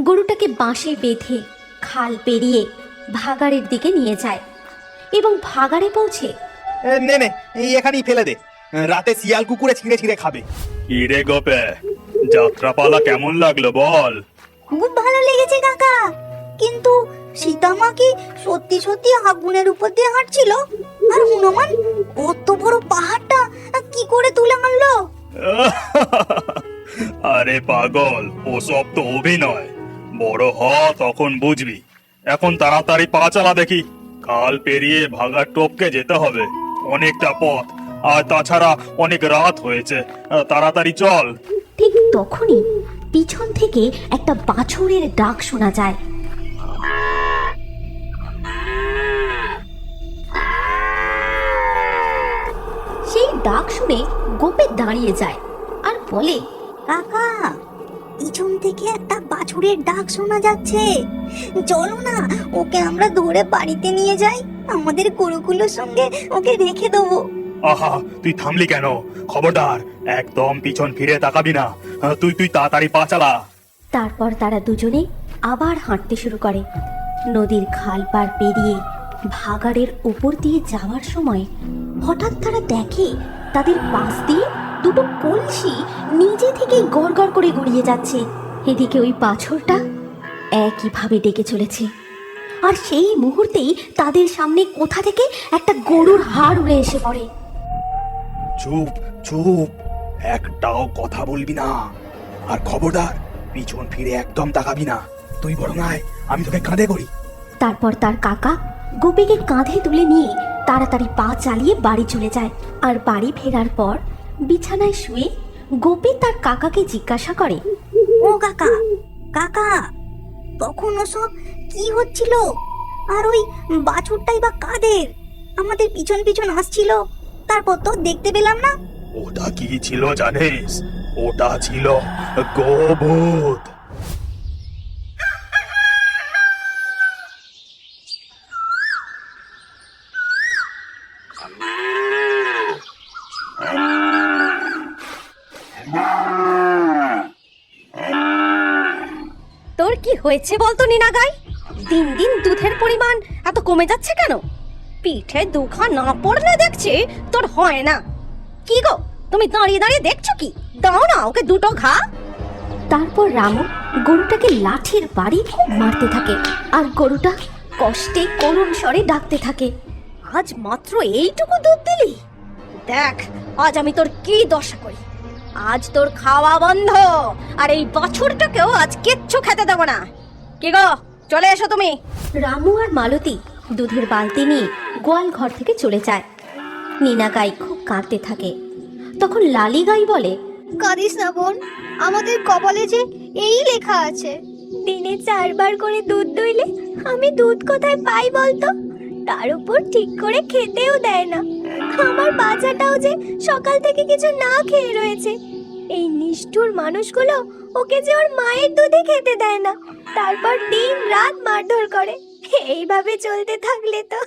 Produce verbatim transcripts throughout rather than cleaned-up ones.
গরুটাকে বাঁশে বেঁধে খাল পেরিয়ে ভাগাড়ের দিকে নিয়ে যায় এবং ভাগাড়ে পৌঁছে এ, নে নে এই এখানেই ফেলে দে, রাতে শিয়াল কুকুরে ছিঁড়ে ছিঁড়ে খাবে। ইরে গোপে, যাত্রাপালা কেমন লাগলো বল? খুব ভালো লেগেছে কাকা, কিন্তু সীতামা কি সত্যি সত্যি আগুনের উপর দিয়ে হাঁটছিল? আর হনুমান অত বড় পাহাড়টা কি করে তুলে আনলো? আরে পাগল, ওসব তো অভিনয়। বড় হ তখন বুঝবি। এখন তাড়াতাড়ি পা চালা দেখি, কাল পেরিয়ে ভাগার টপকে যেতে হবে, অনেকটা পথ। আর তাছাড়া অনেক রাত হয়েছে, তাড়াতাড়ি চল। ঠিক তখনই পিছন থেকে একটা বাছুরের ডাক শোনা যায়। সেই ডাক শুনে গোপে দাঁড়িয়ে যায় আর বলে, কাকা, পিছন থেকে একটা বাছুরের ডাক শোনা যাচ্ছে। চলো না, ওকে আমরা ধরে বাড়িতে নিয়ে যাই, আমাদের গরুগুলোর সঙ্গে ওকে রেখে দেবো। আহা, তুই থামলি কেন? খবরদার, একদম পিছন ফিরে তাকাবি না। তুই তুই তাড়াতাড়ি পা চালা। তারপর তারা দুজনে আবার হাঁটতে শুরু করে। নদীর খাল পার পেরিয়ে ভাগাড়ের উপর দিয়ে যাওয়ার সময় হঠাৎ তারা দেখে তাদের পাশ দিয়ে দুটো কলসি নিজে থেকে গড় গড় করে গড়িয়ে যাচ্ছে। এদিকে ওই বাছুরটা একইভাবে ডেকে চলেছে। আর সেই মুহূর্তেই তাদের সামনে কোথা থেকে একটা গরুর হাড় উড়ে এসে পড়ে। চুপ চুপ, একটাও কথা বলবি না। আর খবরদার, পিছন ফিরে একদম তাকাবি না। তুই বড় নয়, আমি তোকে কাঁধে করি। তারপর তার কাকা গোপীকে কাঁধে তুলে নিয়ে তাড়াতাড়ি পা চালিয়ে বাড়ি চলে যায়। আর বাড়ি ফেরার পর বিছানায় শুয়ে গোপী তার কাকাকে জিজ্ঞাসা করে, ও কাকা, কাকা, তখন ওসব কি হচ্ছিল? আর ওই বাছুরটাই বা কাদের? আমাদের পিছন পিছন আসছিল, তারপর তো দেখতে পেলাম না। ওটা কি ছিল জানিস? ওটা ছিল গোভূত। তোর কি হয়েছে বলতো নিনাগাই? দিন দিন দুধের পরিমাণ এত কমে যাচ্ছে কেন? পিঠে দুখা না পড়লে দেখছি তোর হয় না। কি গো, তুমি দাঁড়িয়ে দাঁড়িয়ে দেখছো কি? দাও না ওকে দুটো ঘা। তারপর রামু গরুটাকে লাঠির বাড়ি খুব মারতে থাকে আর গরুটা কষ্টে করুণ স্বরে ডাকতে থাকে, আজ মাত্র এইটুকু দুধ দিলি? দেখ আজ আমি তোর কি দশা করি। আজ তোর খাওয়া বন্ধ, আর এই বাছুরটাকেও আজ কিচ্ছু খেতে দেবো না। কি গো, চলে এসো তুমি। রামু আর মালতী দুধের বালতি নিয়ে গোয়াল ঘর থেকে চলে যায়। নীনা গাই খুব কাঁদতে থাকে। তখন লালি গাই বলে, কাঁদিস না বোন, আমাদের কপালে যে এই লেখা আছে, দিনে চারবার করে দুধ দইলে আমি দুধ কোথায় পাই বলতো? তার উপর ঠিক করে খেতেও দেয় না। আমার বাচ্চাটাও যে সকাল থেকে কিছু না খেয়ে রয়েছে। এই নিষ্ঠুর মানুষগুলো ওকে যে ওর মায়ের দুধে খেতে দেয় না, তারপর দিন রাত মারধর করে। এইভাবে চলতে থাকলে তো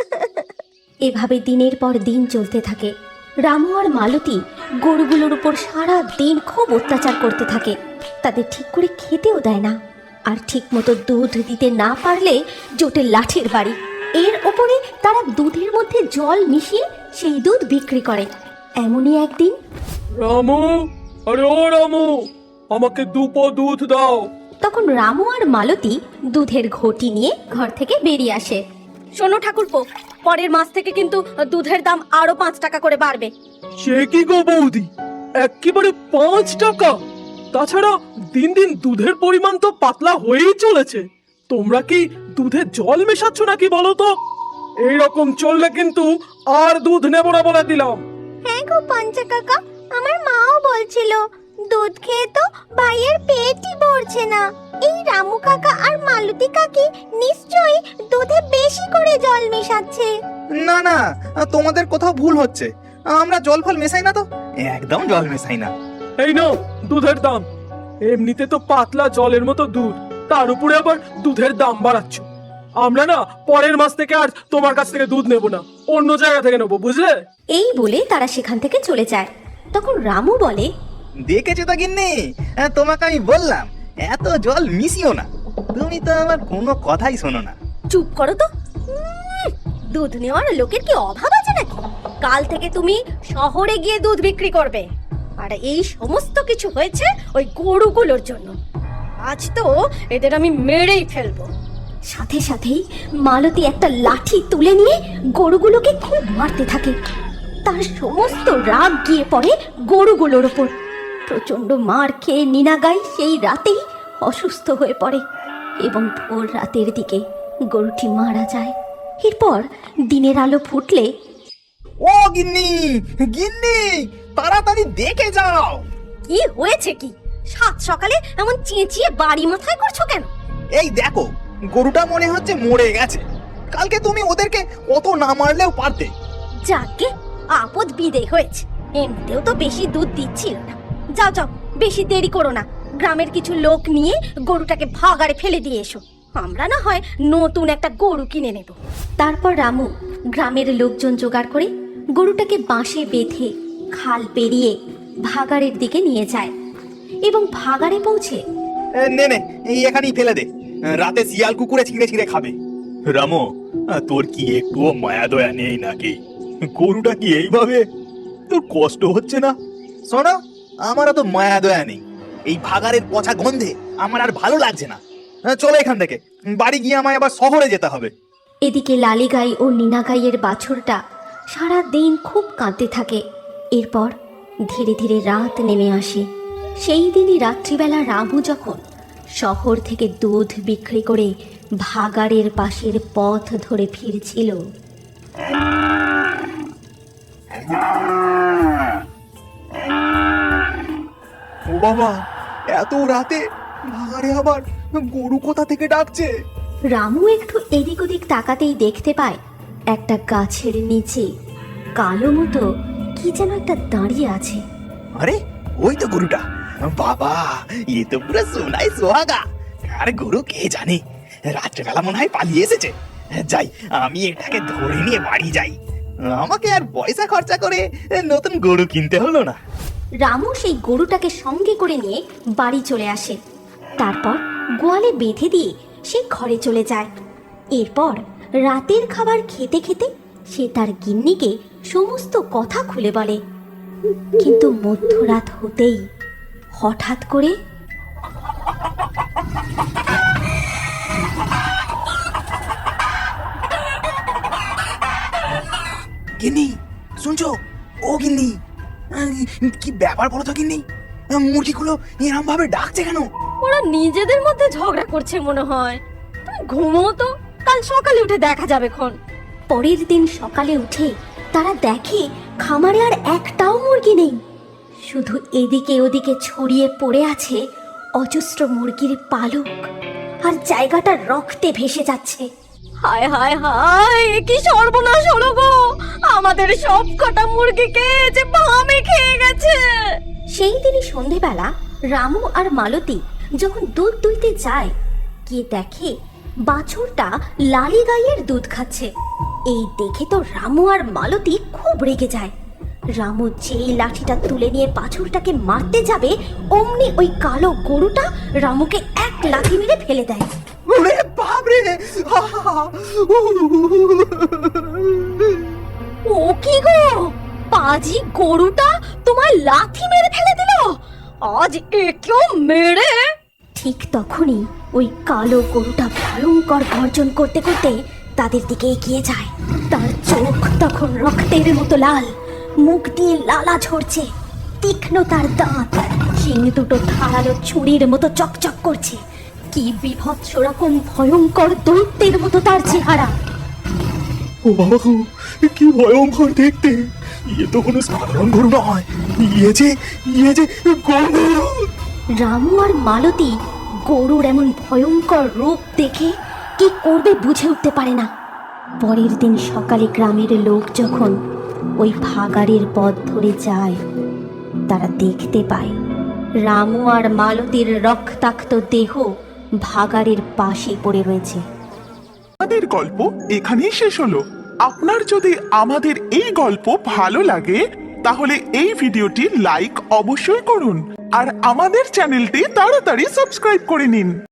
এভাবে দিনের পর দিন চলতে থাকে। রামু আর মালতী গরুগুলোর উপর সারা দিন খুব অত্যাচার করতে থাকে। তাদের ঠিক করে খেতেও দেয় না, আর ঠিক মতো দুধ দিতে না পারলে জোটে লাঠির বাড়ি। এর ওপরে তারা দুধের মধ্যে জল মিশিয়ে সেই দুধ বিক্রি করে। এমনই একদিন, রামু, আরে ও রামু, আমাকে দুপো দুধ দাও। তখন রামু আর মালতী দুধের ঘটি নিয়ে ঘর থেকে বেরিয়ে আসে। শোনো ঠাকুরপো, পরের মাস থেকে কিন্তু দুধের দাম আরো পাঁচ টাকা করে বাড়বে। সে কি গো বৌদি, একেবারে পাঁচ টাকা? তাছাড়া দিন দিন দুধের পরিমাণ তো পাতলা হয়েই চলেছে। তোমরা কি দুধে জল মেশাচ্ছ নাকি বলো তো? এইরকম চললে কিন্তু আর দুধ নেব না বলে দিলাম। হ্যাঁ গো পঞ্চা কাকা, আমার মাও বলছিল দুধ খেয়ে তো ভাইয়ের পেটই ভরছে না। এই রামু কাকা আর মালতী কাকি নিশ্চয়ই দুধে বেশি করে জল মেশাচ্ছে। না না, তোমাদের কোথাও ভুল হচ্ছে। আমরা জল ফল মেশাই না তো, একদম জল মেশাই না। এই নাও দুধের দাম। এমনিতে তো পাতলা জলের মতো দুধ, তার উপরে আবার দুধের দাম বাড়াচ্ছ। আমরা না পরের মাস থেকে আর তোমার কাছ থেকে দুধ নেব না, অন্য জায়গা থেকে নেবো, বুঝলে? এই বলে তারা সেখান থেকে চলে যায়। তখন রামু বলে, দেখেছো তো গিন্নি, তোমাকে আমি বললাম এত জল মিশিও না। তুমি তো আমার কোনো কথাই শোনো না। চুপ করো তো। উম, দুধ নেওয়ার লোকের কি অভাব আছে নাকি? কাল থেকে তুমি শহরে গিয়ে দুধ বিক্রি করবে। আর এই সমস্ত কিছু হয়েছে ওই গরুগুলোর জন্য। আজ তো এদের আমি মেরেই ফেলবো। সাথে সাথেই মালতী একটা লাঠি তুলে নিয়ে গরুগুলোকে খুব মারতে থাকে। তার সমস্ত রাগ গিয়ে পড়ে গরুগুলোর ওপর। প্রচন্ড মার খেয়ে নীনাগাই সেই রাতেই অসুস্থ হয়ে পড়ে এবং ভোর রাতের দিকে গরুটি মারা যায়। এরপর দিনের আলো ফুটলে, ও গিন্নি, গিন্নি, তাড়াতাড়ি দেখে যাও। কি হয়েছে কি? সাত সকালে এমন চেঁচিয়ে বাড়ি মাথায় করছো কেন? এই দেখো, গরুটা মনে হচ্ছে মরে গেছে। কালকে তুমি ওদেরকে অত না মারলেও পারতে। যাকে আপদ বিদে হয়েছে। এমনিতেও তো বেশি দুধ দিচ্ছিল না। যাও যাও, বেশি দেরি করো না। গ্রামের কিছু লোক নিয়ে গরুটাকে ভাগাড়ে ফেলে দিয়ে এসো। আমরা না হয় নতুন একটা গরু কিনে নেব। তারপর রামু গ্রামের লোকজন জোগাড় করে গরুটাকে বাঁশে বেঁধে খাল পেরিয়ে ভাগাড়ের দিকে নিয়ে যায় এবং ভাগাড়ে পৌঁছে এ, নে নে, এই এখানেই ফেলে দে। রাতে শিয়াল কুকুরে ছিঁড়ে ছিঁড়ে খাবে। রামু, তোর কি একটুও মায়া দয়া নেই নাকি? গরুটা কি এইভাবে? তোর কষ্ট হচ্ছে না? শোনো, আমারও তো মায়া দয়া নেই। এই ভাগাড়ের পচা গন্ধে আমার আর ভালো লাগছে না। চলো এখান থেকে, বাড়ি গিয়ে আমায় আবার শহরে যেতে হবে। এদিকে লালিগাই ও নীনাগাইয়ের বাছুরটা সারা দিন খুব কাঁদতে থাকে। এরপর ধীরে ধীরে রাত নেমে আসে। সেই দিনই রাত্রিবেলা রামু যখন শহর থেকে দুধ বিক্রি করে ভাগাড়ের পাশের পথ ধরে ফিরছিল, ও বাবা, এত রাতে ভাগাড়ে আবার গরু কোথা থেকে ডাকছে? রামু একটু এদিক ওদিক তাকাতেই দেখতে পায় একটা গাছের নিচে কালো মতো কি যেন একটা দাঁড়িয়ে আছে। আরে ওই তো গরুটা। বাবা, এ তো পুরো সোনাই সোহাগা। আর গরু কে জানে, রাত্রেবেলা মনে হয় পালিয়ে এসেছে। যাই, আমি এটাকে ধরে নিয়ে বাড়ি যাই। আমাকে আর পয়সা খরচা করে নতুন গরু কিনতে হলো না। রামু সেই গরুটাকে সঙ্গে করে নিয়ে বাড়ি চলে আসে। তারপর গোয়ালে বেঁধে দিয়ে সে ঘরে চলে যায়। এরপর রাতের খাবার খেতে খেতে সে তার গিন্নিকে সমস্ত কথা খুলে বলে। কিন্তু মধ্যরাত হতেই হঠাৎ করে গিন্নি, শুনছো? ও গিন্নি, কি ব্যাপার বলো তো গিন্নি? মুরগিগুলো এরম ভাবে ডাকছে কেন? ওরা নিজেদের মধ্যে ঝগড়া করছে মনে হয়। তুমি ঘুমো তো, কাল সকালে উঠে দেখা যাবে খন। পরের দিন সকালে উঠে তারা দেখে খামারে আর একটাও মুরগি নেই। শুধু এদিকে ওদিকে ছড়িয়ে পড়ে আছে অজস্র মুরগির পালক, আর জায়গাটা রক্তে ভেসে যাচ্ছে। হায় হায় হায়, কি সর্বনাশ হলো গো! আমাদের সব কটা মুরগিকে যে বামে খেয়ে গেছে। সেই দিনই সন্ধেবেলা রামু আর মালতী যখন দুধ দুইতে যায়, গিয়ে দেখে বাছুরটা লালিগাইয়ের দুধ খাচ্ছে। এই দেখে তো রামু আর মালতী খুব রেগে যায়। রামু যেই লাঠিটা তুলে নিয়ে বাছুরটাকে মারতে যাবে, অমনি ওই কালো গরুটা রামুকে এক লাথি মেরে ফেলে দেয়। ওরে বাপরে! ও কি গো, পাজি গরুটা তোমার লাথি মেরে ফেলে দিল? আজ একেও মেরে। ঠিক তখনই ওই কালো গরুটা ভয়ঙ্কর গর্জন করতে করতে তাদের দিকে এগিয়ে যায়। তার চোখ তখন রক্তের মতো লাল, মুখ দিয়ে লালা ঝরছে, তীক্ষ্ণ তার দাঁত, শিং দুটো ধারালো ছুরির মতো চকচক করছে। কি বিভৎস রকম ভয়ঙ্কর দৈত্যের মতো তার চেহারা। ও বাবা গো, কি ভয়ঙ্কর দেখতে! ইয়ে তো কোনো সাধারণ গরু নয়, ইয়ে যে ইয়ে যে গরু! রামু আর মালতী গরুর এমন ভয়ঙ্কর রূপ দেখে কি করবে বুঝে উঠতে পারে না। পরের দিন সকালে গ্রামের লোক যখন ওই ভাগাড়ের পথ ধরে যায়, তারা দেখতে পায় রামু আর মালতীর রক্তাক্ত দেহ ভাগাড়ের পাশে পড়ে রয়েছে। আমাদের গল্প এখানেই শেষ হলো। আপনার যদি আমাদের এই গল্প ভালো লাগে তাহলে এই ভিডিওটি লাইক অবশ্যই করুন। আর আমাদের চ্যানেলটি তাড়াতাড়ি সাবস্ক্রাইব করে নিন।